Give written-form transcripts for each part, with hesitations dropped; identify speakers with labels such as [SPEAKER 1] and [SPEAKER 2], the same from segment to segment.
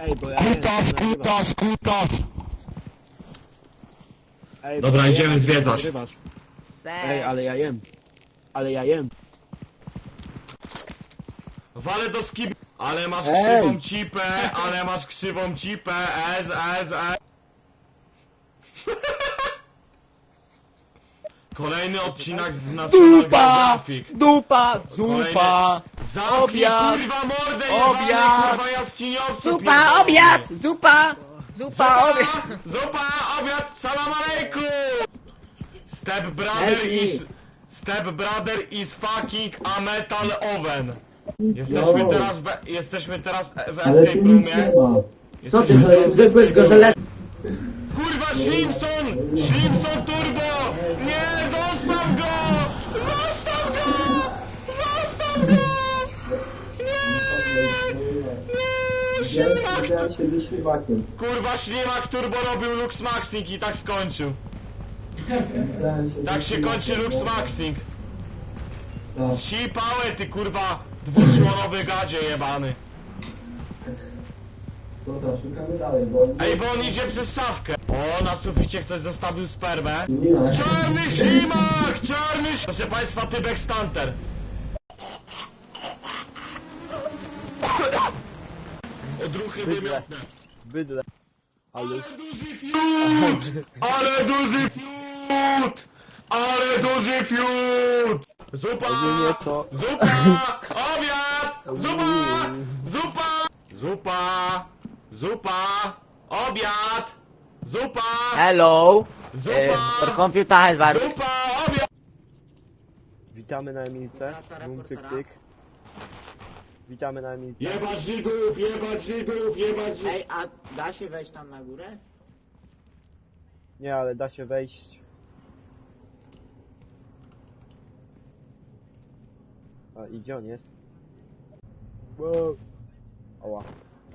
[SPEAKER 1] Ej, bo ja
[SPEAKER 2] Kutas, kutas, kutas!
[SPEAKER 1] Ej,
[SPEAKER 3] Dobra,
[SPEAKER 1] bo ja
[SPEAKER 3] idziemy
[SPEAKER 1] jem,
[SPEAKER 3] zwiedzać.
[SPEAKER 1] nagrywasz.
[SPEAKER 4] Seks.
[SPEAKER 1] Ej, ale ja jem. Ale ja jem.
[SPEAKER 3] Wale do skib... Ale masz
[SPEAKER 1] Ej!
[SPEAKER 3] krzywą cipę, ale masz krzywą cipę, S. Kolejny odcinek z National Geographic.
[SPEAKER 1] Dupa! Zupa!
[SPEAKER 3] Zamknij
[SPEAKER 1] Obiad!
[SPEAKER 3] kurwa mordę
[SPEAKER 1] Obiad!
[SPEAKER 3] jebany kurwa jaskiniowcu
[SPEAKER 4] Zupa,
[SPEAKER 3] pierdolony.
[SPEAKER 4] obiad! Zupa! Zupa, obiad!
[SPEAKER 3] Zupa, obiad, salam aleikum! Step brother is fucking a metal oven. Jesteśmy teraz w escape roomie.
[SPEAKER 4] Co ty, to jest zwykły zgorzelec?
[SPEAKER 3] Kurwa, Schlimson! Schlimson Turbo! Nie, zostaw go! Zostaw go! Zostaw go! Nie! Ślimak! Kurwa, Ślimak Turbo robił Lux Maxing i tak skończył. Tak się kończy Lux Maxing. Zsipałe ty kurwa dwuczłonowy gadzie jebany.
[SPEAKER 5] Dobra, szukamy dalej, bo...
[SPEAKER 3] Ej, bo on idzie przez szafkę. O, na suficie ktoś zostawił spermę.
[SPEAKER 5] Nie ma.
[SPEAKER 3] Czarny ślimak! Proszę państwa, Tybek Stanter. Odruchy wymiotne.
[SPEAKER 1] Bydle. Ale...
[SPEAKER 3] Duży fiut! Ale duży fiut! Ale duży fiut! Zupa!
[SPEAKER 1] Ogólnie to...
[SPEAKER 3] Zupa! Obiad! Zupa! Zupa! Zupa! Zupa! Obiad! Zupa!
[SPEAKER 4] Hello!
[SPEAKER 3] Zupa!
[SPEAKER 4] Your computer has virus.
[SPEAKER 3] Zupa! Obiad!
[SPEAKER 1] Witamy na Emilce. Bum, cyk, cyk. Witamy na Emilce.
[SPEAKER 3] Jebać Żydów! Jebać Żydów! Jebać Żydów!
[SPEAKER 4] Ej, a da się wejść tam na górę?
[SPEAKER 1] Nie, ale da się wejść. A, i gdzie on jest? Wow. Oła.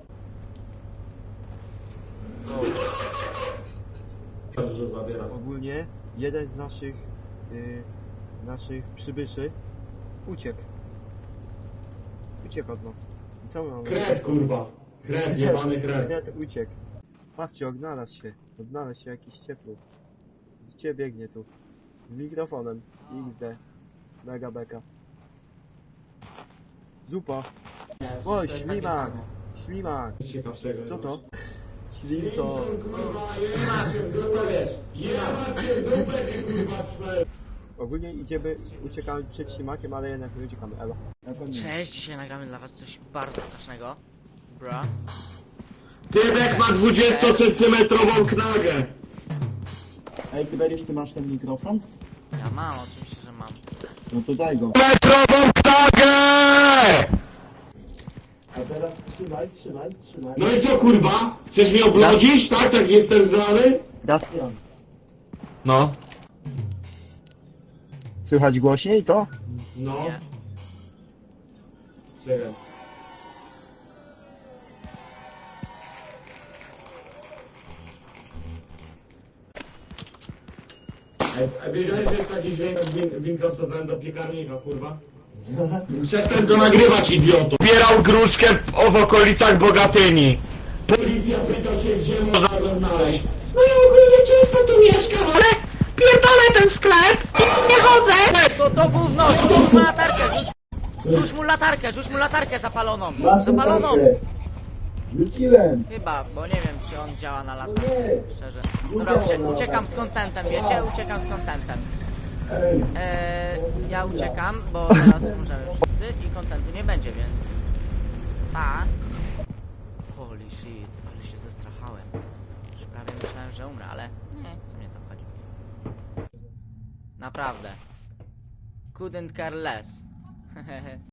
[SPEAKER 3] Dobrze zabieram.
[SPEAKER 1] Ogólnie jeden z naszych przybyszy uciekł. Uciekł od nas. I co my mamy?
[SPEAKER 3] Kret kurwa! Kret, jebany kret!
[SPEAKER 1] Kret uciekł. Patrzcie, odnalazł się. Odnalazł się jakiś ciepły. Gdzie biegnie tu? Z mikrofonem. XD. Mega beka. Zupa. O, ślimak! Ślimak!
[SPEAKER 3] Ciekawszego.
[SPEAKER 1] Co to? Ślimco. Ogólnie idziemy, uciekamy przed ślimakiem, ale jednak nie uciekamy. Elo.
[SPEAKER 4] Cześć, dzisiaj nagramy dla was coś bardzo strasznego. Bra.
[SPEAKER 3] Tybek ma 20-centymetrową knagę!
[SPEAKER 5] Ej, Tyberiusz, ty masz ten mikrofon?
[SPEAKER 4] Ja mam, oczywiście, że mam.
[SPEAKER 5] No to daj go.
[SPEAKER 3] Metrową knagę!
[SPEAKER 5] A teraz trzymaj.
[SPEAKER 3] No i co kurwa? Chcesz mnie oblodzić? Tak, tak jestem znany?
[SPEAKER 5] Dafian.
[SPEAKER 3] No.
[SPEAKER 1] Słychać głośniej to?
[SPEAKER 3] No.
[SPEAKER 4] Nie.
[SPEAKER 3] Czekaj. Ej, wiedziałeś, że jest taki dźwięk jak winkosowałem do piekarnika, kurwa? Przestań go nagrywać, idioto! Zbierał gruszkę w okolicach Bogatyni. Policja pyta się, gdzie można go znaleźć. No ja ogólnie często tu mieszkam, ale pierdolę ten sklep i nie chodzę!
[SPEAKER 4] To gówno, rzuć mu latarkę, rzuć mu latarkę zapaloną.
[SPEAKER 5] Masz
[SPEAKER 4] Zapaloną!
[SPEAKER 5] latarkę. Rzuciłem.
[SPEAKER 4] Chyba, bo nie wiem, czy on działa na latarkę,
[SPEAKER 5] Nie.
[SPEAKER 4] szczerze. Dobra, uciekam z kontentem, wiecie? Uciekam z kontentem.
[SPEAKER 5] Ej,
[SPEAKER 4] Ja uciekam, bo teraz umrzemy wszyscy i kontentu nie będzie, więc... Pa! Holy shit, ale się zestrachałem. Już prawie myślałem, że umrę, ale... Nie, co mnie to chodzi? Naprawdę. Couldn't care less.